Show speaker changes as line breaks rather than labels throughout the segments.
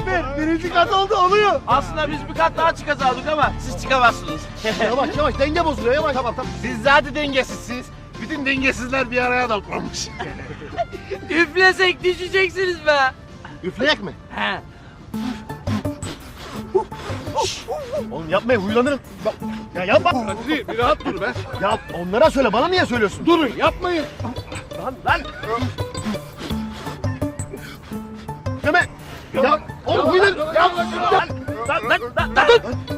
İzmir birinci kat oldu oluyor.
Aslında biz bir kat daha çıkacaktık ama siz çıkamazsınız.
Yavaş yavaş denge bozuluyor yavaş. Tamam.
Siz zaten dengesizsiniz. Bütün dengesizler bir araya toplanmış.
Üflesek düşeceksiniz be.
Üfleyek mi?
He.
Oğlum yapmayın huylanırım. Bak, ya yapma.
Hadi bir rahat dur be.
Ya onlara söyle bana niye söylüyorsun?
Durun yapmayın.
Lan. Deme. Ya oğlum huylanırım. Ya.
Lan.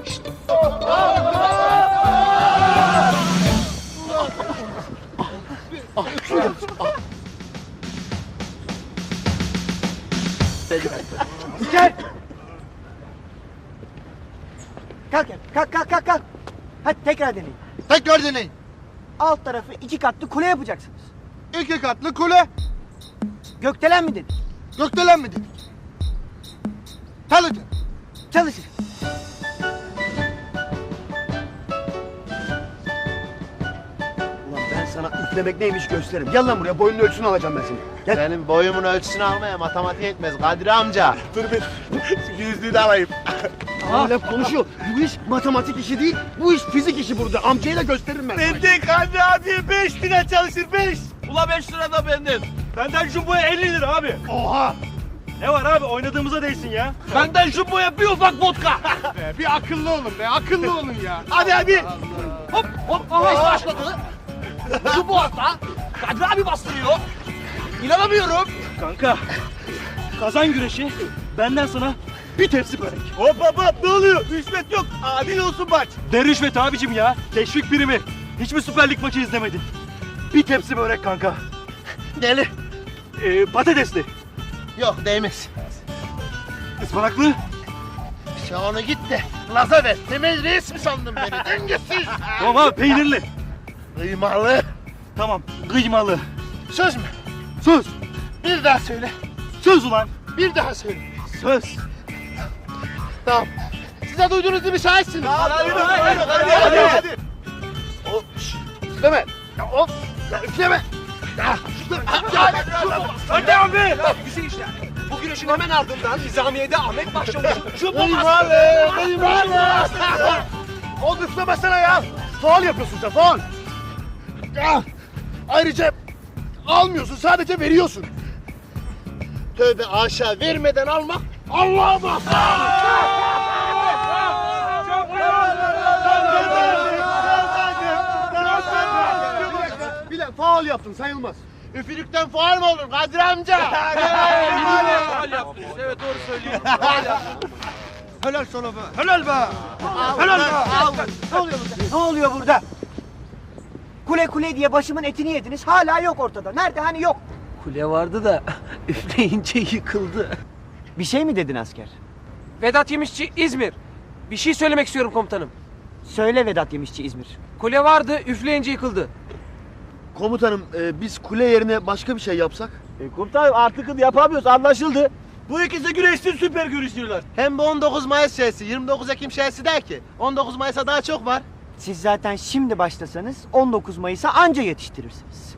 Gel. Kalk. Hadi tekrar deneyin.
Tekrar deneyin.
Alt tarafı 2 katlı kule yapacaksınız.
2 katlı kule.
Gökdelen mi dedik?
Gökdelen mi dedik? Çalışın.
Çalışın.
Ulan ben sana üflemek neymiş gösteririm. Gel lan buraya boyunun ölçüsünü alacağım ben seni. Gel.
Senin boyumun ölçüsünü almaya matematik yetmez Kadri amca.
Dur bir. Yüzlüğü de alayım. Hala konuşuyor. Bu iş matematik işi değil, bu iş fizik işi burada. Amcayla gösteririm ben.
Benden Kadri abi 5 lira çalışır 5. Ula 5 lira da benden.
Benden jumboya 50 lira abi.
Oha!
Ne var abi oynadığımıza değsin ya.
Benden jumboya bir ufak vodka.
Bir akıllı olun be, akıllı olun ya.
Hadi. Hop. Aha iş başladı. Jumbo hatta. Kadri abi bastırıyor. İnanamıyorum.
Kanka kazan güreşi benden sana bir tepsi börek.
Hop, ne oluyor? Rüşvet yok, adil olsun maç.
Ne rüşvet abicim ya? Teşvik primi. Hiç mi Süper Lig maçı izlemedin? Bir tepsi börek kanka.
Deli.
Patatesli.
Yok değmez.
Ispanaklı.
Ya onu git de Laza ver. Temel reis mi sandın beni? Dengesiz.
Tamam abi peynirli.
Kıymalı.
Tamam kıymalı.
Söz mü?
Söz.
Bir daha söyle.
Söz ulan.
Bir daha söyle.
Söz.
Tamam. Size duyduğunuz gibi şahitsiniz.
Hadi.
Hop. Üfleme. Ya hop. Ya üfleme.
Hadi abi.
Güzel işler. Bu güreşin hemen ardından Nizamiye'de Ahmet başlamış.
Kıymalı.
Oğlum üflemesene ya. Faul yapıyorsun sen, faul. Ya, ayrıca almıyorsun, sadece veriyorsun.
Tövbe aşağı vermeden almak Allah'a bak.
Bile faul yaptın, sayılmaz.
Üfürükten faal mı olur Kadir amca?
Faal yaptınız. Evet doğru söylüyor.
Helal sana be. Helal be. Helal be.
Ne oluyor burada? Kule diye başımın etini yediniz. Hala yok ortada. Nerede? Hani yok.
Kule vardı da üfleyince yıkıldı.
Bir şey mi dedin asker?
Vedat Yemişçi İzmir. Bir şey söylemek istiyorum komutanım.
Söyle Vedat Yemişçi İzmir.
Kule vardı, üfleyince yıkıldı.
Komutanım, biz kule yerine başka bir şey yapsak?
Komutanım artık yapamıyoruz anlaşıldı. Bu ikisi güreşsin süper güreşiyorlar.
Hem bu 19 Mayıs şeysi, 29 Ekim şeysi der ki 19 Mayıs'a daha çok var.
Siz zaten şimdi başlasanız 19 Mayıs'a anca yetiştirirsiniz.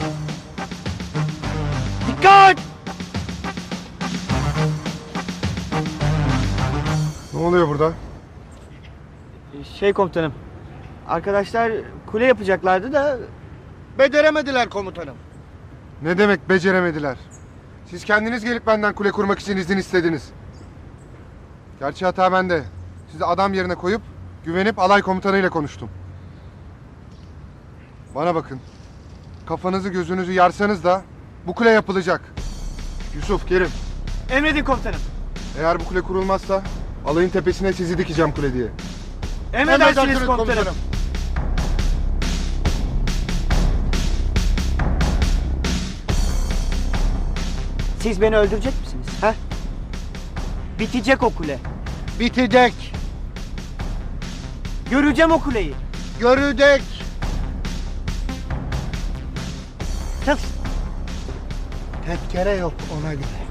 Dikkat!
Ne oluyor burada?
Şey komutanım, arkadaşlar kule yapacaklardı da
Beceremediler komutanım.
Ne demek beceremediler? Siz kendiniz gelip benden kule kurmak için izin istediniz. Gerçi hata bende. Sizi adam yerine koyup güvenip alay komutanıyla konuştum. Bana bakın. Kafanızı gözünüzü yarsanız da bu kule yapılacak. Yusuf, Kerim.
emredin komutanım.
Eğer bu kule kurulmazsa alayın tepesine sizi dikeceğim kule diye.
Emredersiniz komutanım. Siz beni öldürecek misiniz? Ha? Bitecek o kule.
Bitecek,
Göreceğim o kuleyi.
görecek.
Çalış.
Tezkere yok ona göre.